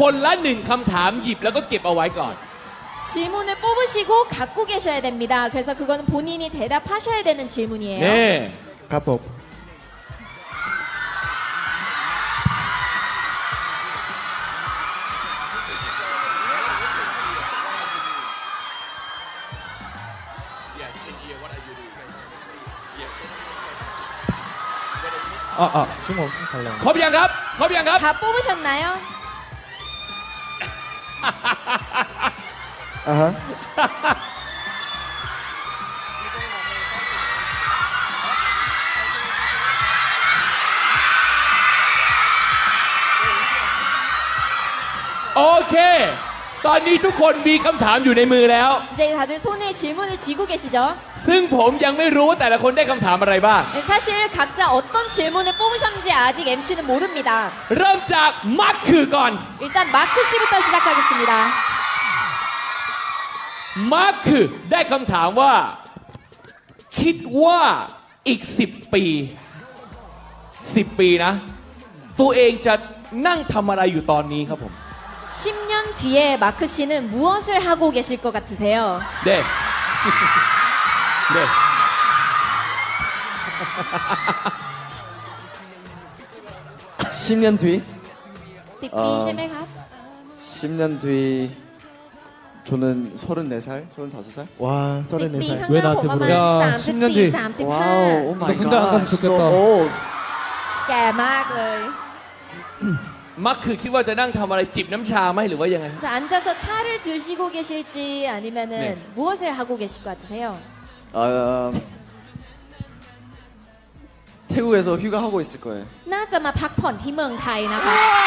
คนละหนึ่งคำถามหยิบแล้วก็เก็บเอาไว้ก่อน 질문을 뽑으시고 갖고 계셔야 됩니다. 그래서 그거는 본인이 대답하셔야 되는 질문이에요. เน่ครับผม 춤 엄청 잘 나와. ครบยังครับ ครบยังครับ 다 뽑으셨나요? อ่าฮะโอเค ตอนนี้ทุกคนมีคำถามอยู่ในมือแล้ว 이제 다들 손에 질문을 쥐고 계시죠? ซึ่งผมยังไม่รู้ว่าแต่ละคนได้คำถามอะไรบ้าง 사실 각자 어떤 질문을 뽑으셨는지 아직 MC는 모릅니다. เริ่มจากมาร์คคือก่อน 일단 마크 씨부터 시작하겠습니다. มาร์คคือได้คำถามว่า คิดว่าอีก 10 ปี 10 ปีนะ ตัวเองจะนั่งทำอะไรอยู่ตอนนี้ครับผม 10년 뒤에 마크 씨는 무엇을 하고 계실 것 같으세요? เด้เด้ 10년 뒤? 10ปีใช่ไหมครับ 10년 뒤 저는 34살, 35살? ว้าซ่อน 10 ในปีสายข้างหน้าผมประมาณ 야, 10년 뒤. 34 와우, 오 마이 너 군대 안 가면 좋겠다. 오, 35 แก่มากเลยมาร์คคือคิดว่าจะนั่งทำอะไรจิบน้ำชาไหมหรือว่ายังไง 그래서 앉아서 차를 드시고 계실지 아니면은 네. 무엇을 하고 계실 것 같으세요? 태국에서 휴가하고 있을 거예요. น่าจะมาพักผ่อนที่เมืองไทยนะคะ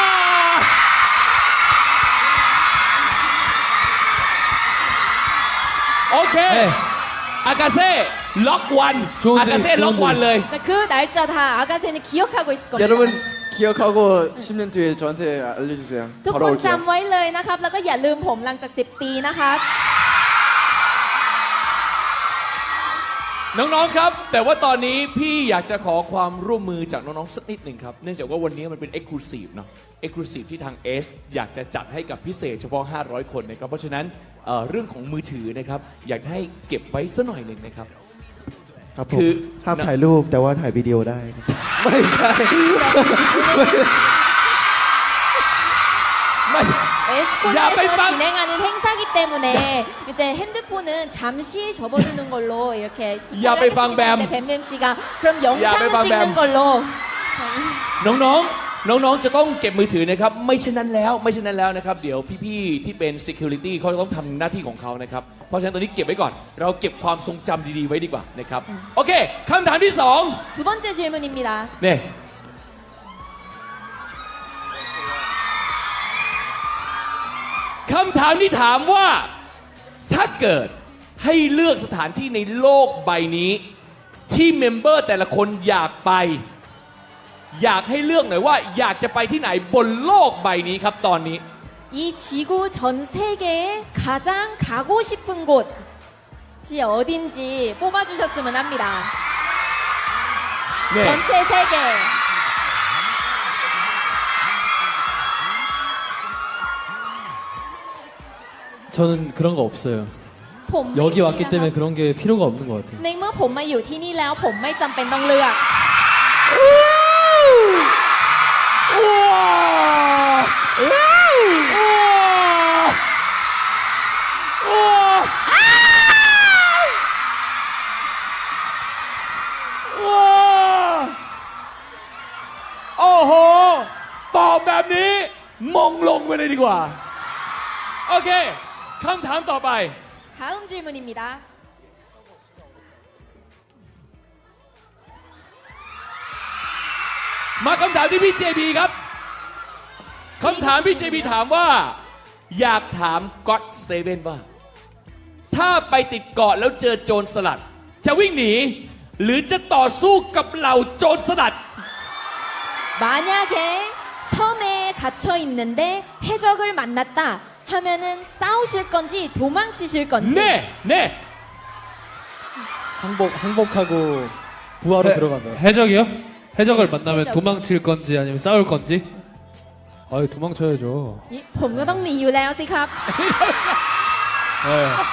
โอเค 네. อากาเซ่ล็อกวันโชว์ดิอากาเซ่ล็อกวันเลย 그러니까 그 날짜 다 아가새는 기억하고 있을 겁니다. 여러분 기억하고 10년 뒤에 저한테 알려주세요. ทุก 바로 คน 올게요. จำไว้เลยนะครับ แล้วก็อย่าลืมผมหลังจาก 10 ปีนะครับน้องๆครับ แต่ว่าตอนนี้พี่อยากจะขอความร่วมมือจากน้องๆสักนิดหนึ่งครับ เนื่องจากว่าวันนี้มันเป็น Exclusive เนาะ Exclusive ที่ทาง S อยากจะจัดให้กับพิเศษเฉพาะ 500 คนนะครับ เพราะฉะนั้นเรื่องของมือถือนะครับ อยากจะให้เก็บไว้สักหน่อยหนึ่งนะครับครับผมคือห้ามถ่ายรูปแต่ว่าถ่ายวิดีโอได้ไม่ใช่ไม่ใช่ 야, 빨리 에스코리에서 빵! 진행하는 행사기 때문에 이제 핸드폰은 잠시 접어두는 걸로 이렇게 야, 빨리 빵, 부탁을 하겠습니다. 뱀. 네, 뱀뱀 씨가 그럼 야, 영상은 빨리 빵, 찍는 뱀. 걸로 น้องๆ จะต้องเก็บมือถือนะครับ ไม่เช่นนั้นแล้วนะครับ เดี๋ยวพี่ๆ ที่เป็น Security เขาจะต้องทำหน้าที่ของเขานะครับ เพราะฉะนั้นตอนนี้เก็บไว้ก่อน เราเก็บความทรงจำดีๆ ไว้ดีกว่านะครับ โอเคคำถามที่สอง 두 번째 질문입니다. เนี่ยคำถามที่ถามว่า ถ้าเกิดให้เลือกสถานที่ในโลกใบนี้ ที่เมมเบอร์แต่ละคนอยากไป อยากให้เลือกหน่อยว่า อยากจะไปที่ไหนบนโลกใบนี้ครับตอนนี้ 이 지구 전 세계에 가장 가고 싶은 곳이 어딘지 뽑아주셨으면 합니다. เนี่ย 전체 세계. 저는 그런 거 없어요. ผมไม่ 여기 มี 왔기 นะค 때문에 รับ 그런 게 필요가 없는 것 같아요. ในเมื่อผมมาอยู่ที่นี่แล้ว ผมไม่จำเป็นต้องเลือกโอ้โห ตอบแบบนี้ มงลงไปเลยดีกว่า โอเค คำถามต่อไป 다음 질문입니다. มาคำถามที่พี่เจบีครับ คำถามพี่เจบีถามว่า อยากถามก็อตเซเว่นว่า ถ้าไปติดเกาะแล้วเจอโจรสลัด จะวิ่งหนี หรือจะต่อสู้กับเหล่าโจรสลัด 만약에 섬에 갇혀 있는데 해적을 만났다 하면은 싸우실 건지 도망치실 건지 เน่เน่ 항복하고 부하로 들어간다. 해적이요? 해적을 만나면 해적. 도망칠 건지 아니면 싸울 건지? 아유 도망쳐야죠. ผมก็ต้องหนีอยู่แล้วสิครับ 네.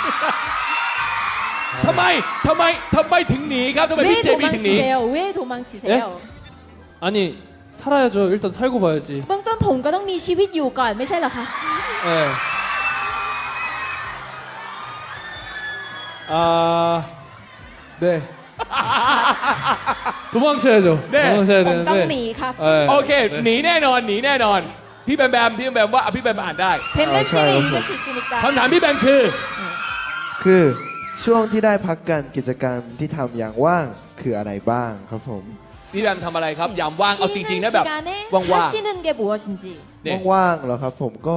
ทำไมถึงหนีครับทำไม 왜 พี่เจมี่ถึงหนี 도망치세요? 왜 도망치세요? 아니 살아야죠. 일단 살고 봐야지. เบื้องต้นผมก็ต้องมีชีวิตอยู่ก่อนไม่ใช่เหรอคะ 네. 아, 네. 도망쳐야죠. 네. 도망쳐야 ผมต้องหนี 되는데. ครับ 네. โอเค 네. หนีแน่นอน พี่แบมว่าพี่แบมอ่านได้ 뱀뱀 잘 씨는 알고. 읽을 수 있으니까. คำถามพี่แบมคือคือช่วงที่ได้พักกันกิจกรรมที่ทำอย่างว่างคืออะไรบ้างครับผมพี่แบมทำอะไรครับ ยามว่าง เอาจริงๆนะแบบ 시간에 ว่าง 하시는 게 무엇인지. ๆเนี่ยว่างๆเหรอครับผมก็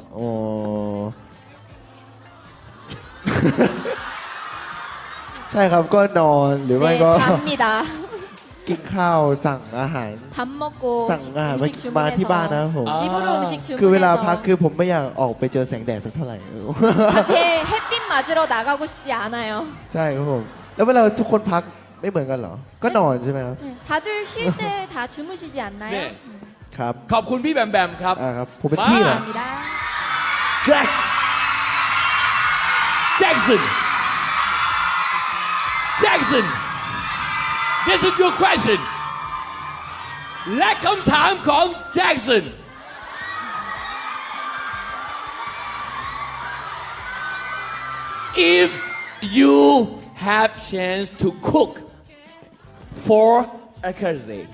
ใช่ครับก็นอนหรือไม่ 네, ก็ 잡니다. กินข้าวสั่งอาหาร 밥 먹고 สั่งอาหาร 음식 มาที่บ้านนะ 주문해서 ผม 집으로 음식 คือเวลาพัก 주문해서 คือผมไม่อยากออกไปเจอแสงแดดสักเท่าไหร่ 밖에 햇빛 맞으러 나가고 싶지 않아요. ใช่ครับผม แล้วเวลาทุกคนพักไม่เหมือนกันเหรอ ก็นอนใช่ไหมครับ 다들 쉴 때 다 주무시지 않나요? 네. ครับขอบคุณพี่แบมครับครับ ผมเป็นพี่เหรอ 감사합니다. แจ็ค Jackson this is your question และคำถามของ Jackson if you have chance to cook for a cousin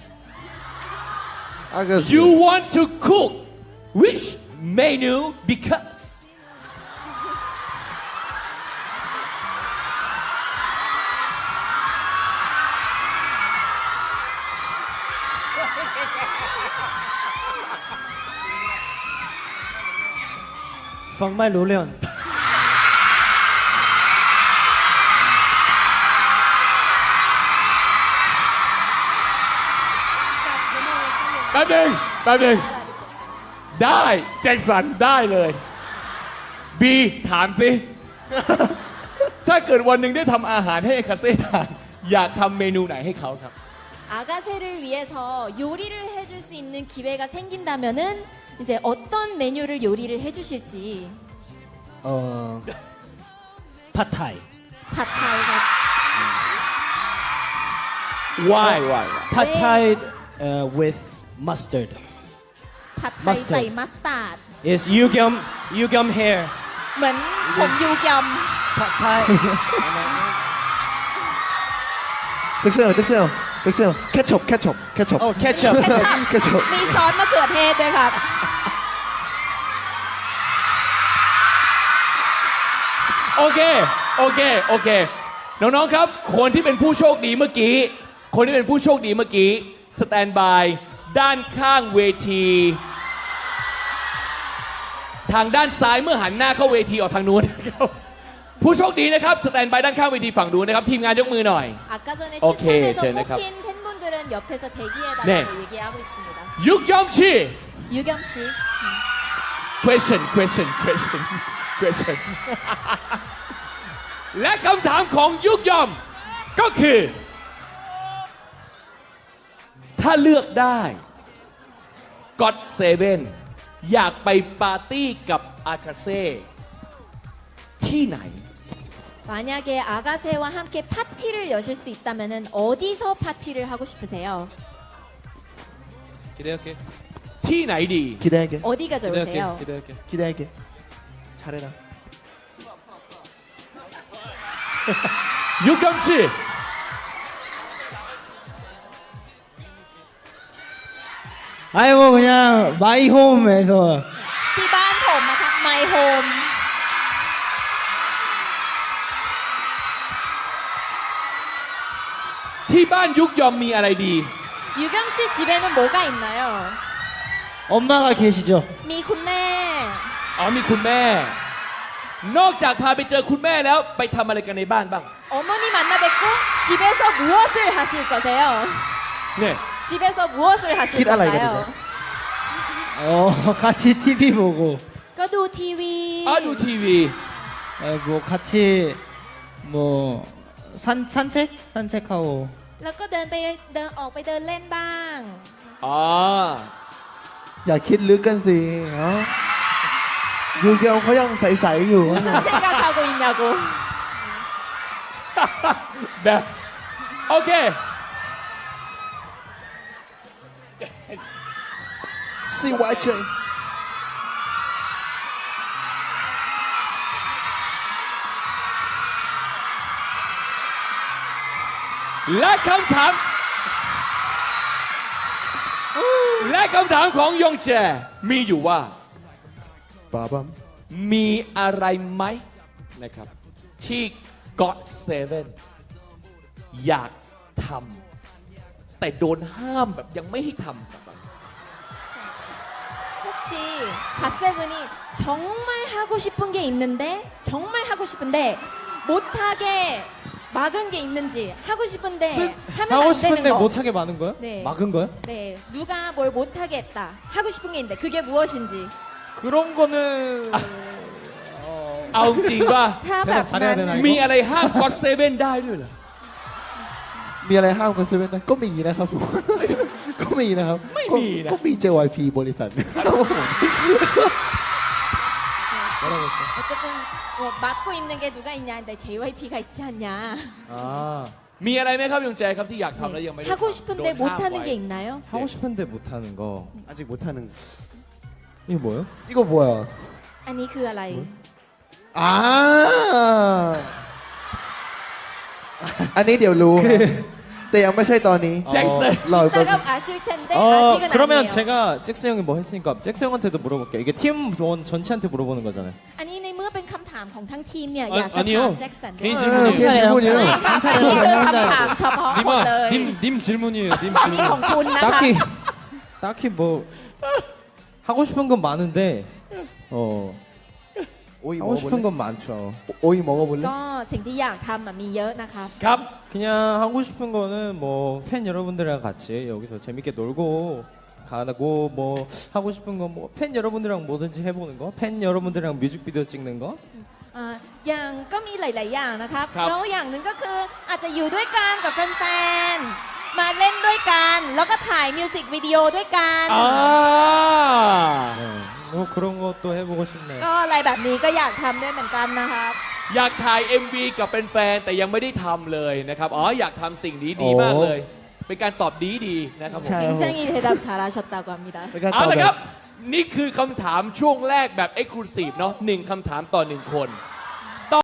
you want to cook which menu because ฟังไม่รู้เรื่องแป๊บหนึงได้แจ็คสันได้เลยบีถามสิ ถ้าเกิดวันหนึ่งได้ทำอาหารให้คาเซ่ทานอยากทำเมนูไหนให้เขาครับ 아가새를 위해서 요리를 해줄 수 있는 기회가 생긴다면은 이제 어떤 메뉴를 요리를 해주실지. ผัดไทย 팟타이가 why ผัดไทยwith mustard 팟타이 Mustard. 사이 마스타드. is 유겸 hair เหมือนผมยูเกียมผัดไทยแจ็คเซลแคชชอปโอ้ ketchup แคชชอปมีซอสมะเขือเทศด้วยครับโอเคน้องๆครับ คนที่เป็นผู้โชคดีเมื่อกี้สแตนบายด้านข้างเวที ทางด้านซ้ายเมื่อหันหน้าเข้าเวทีออกทางนู้นนะครับผู้โชคดีนะครับสแตนบายด้านข้างเวทีฝั่งนู้นนะครับทีมงานยกมือหน่อย 아까 전에 오케이, 추첨해서 쟤네 가- 뽑힌 팬분들은 옆에서 대기해달라고 네. 얘기하고 있습니다. ยุกยอมชี 유겸 씨. question และคำถามของยุกยอมก็คือ ถ้าเลือกได้ก็อดเซเว่นอยากไปปาร์ตี้กับอาคาเซ่ที่ไหน 만약에 아가새와 함께 파티를 여실 수 있다면은 어디서 파티를 하고 싶으세요? 기대할게. ที่ไหนดีคิดได้แก 어디가 좋으세요? 기대할게. คิดได้แกชาได้นะยุกยอมชี 아니 뭐 그냥 마이홈에서 ที่บ้านผมนะครับ My Home ที่บ้านยุกยอมมีอะไรดี 유겸 씨 집에는 뭐가 있나요? 엄마가 계시죠? มีคุณแม่อ๋อมีคุณแม่ นอกจากพาไปเจอคุณแม่แล้วไปทำอะไรกันในบ้านบ้าง 어머니 만나 뵙고 집에서 무엇을 하실 거세요? เนี่ย 집에서 무엇을 하실 킷 알아야 건가요? 같이 TV 보고 ก็ดูทีวีอ๋อดูทีวี 뭐 같이 뭐 산책하고 แล้วก็เดินออกไปเดินเล่นบ้างอ๋ออย่าคิดลึกกันสิเนาะยูเกียวเขายังใสๆอยู่ 무슨 생각하고 있냐고. แบบโอเค CYJ และคำถาม และคำถามของยงแจมีอยู่ว่าบาบัมมีอะไรไหมนะครับ ที่ GOT7 อยากทำแต่โดนห้ามแบบยังไม่ให้ทำ 혹시 갓세븐이 정말 하고 싶은 게 있는데 정말 하고 싶은데 못하게 막은 게 있는지 하고 싶은데 하면 하고 안 되는 싶은데 거. 못하게 많은 거야? 네. 막은 거야? 네, 누가 뭘 못하게 했다. 하고 싶은 게 있는데 그게 무엇인지. 그런 거는 เอาจริงว่าถ้าแบบ 잘해야 นั้น 되나 มี 이거? อะไรห้าม GOT7 ได้ด้วยเหรอมีอะไรห้ามกันเซเว่นนะก็มีนะครับผม ก็มีนะครับไม่มีนะก็มี JYP บริษัทครับผม 뭐라고 했어? 어쨌든 뭐 맡고 있는 게 누가 있냐 근데 JYP가 있지 않냐. 아 มีอะไรไหมครับยงแจครับที่อยากทำแล้วยังไม่ได้ 하고 ทำ 싶은데 โดนห้าม 못하는 ไว้ 게 있나요? 하고 싶은데 못하는 거 아직 못하는 이거 뭐예요? 이거 뭐야 อันนี้คืออะไรอ่า อันนี้เดี๋ยวรู้ครับแต่ยังไม่ใช่ตอนนี้ 잭슨 รออีกแป๊บ 이따가 아실 텐데 어, 아직은 그러면 아니에요. 제가 잭스 형이 뭐 했으니까 잭스 형한테도 물어볼게요. 이게 팀원 전체한테 물어보는 거잖아요. อันนี้ในเมื่อเป็นคำถามของทั้งทีมเนี่ยอ่ะอยากจะอันนี้เหรถาอมแจ็คสัน 개인 เออ 질문이에요. เกมพูดเยอะอันนี้คือคำถามเฉพาะคนเลย 님 질문이에요. 님 อันนี้ของ 질문. คุณนะคะ 딱히 뭐 하고 싶은 건 많은데 오이 하고 싶은 먹어볼래? 건 많죠. 오이 먹어볼래? ก็สิ่งที่อยากทำอะมีเยอะนะครับครับ 그냥 하고 싶은 거는 뭐 팬 여러분들이랑 같이 여기서 재밌게 놀고 가고 뭐 하고 싶은 건 뭐 팬 여러분들이랑 뭐든지 해보는 거, 팬 여러분들이랑 뮤직비디오 찍는 거. อ่าอย่างก็มีหลาย ๆ อย่างนะครับครับแล้วอย่างหนึ่งก็คืออาจจะอยู่ด้วยกันกับแฟน ๆ มาเล่นด้วยกัน แล้วก็ถ่ายมิวสิกวิดีโอด้วยกันอ่า 네, 뭐 그런 것도 해보고 싶네요. ก็อะไรแบบนี้ก็อยากทำด้วยเหมือนกันนะครับอยากถ่าย MV กับเป็นแฟนแต่ยังไม่ได้ทำเลยนะครับ อ๋ออยากทำสิ่งนี้ดีโอ้มากเลย เป็นการตอบดีนะครับผมใช่ 굉장히 대답 잘하셨다고 합니다. เป็นการตเอาอบละแบครับ บ นี่คือคำถามช่วงแรกแบบ Exclusive เนาะ1คำถามต่อ 1 คน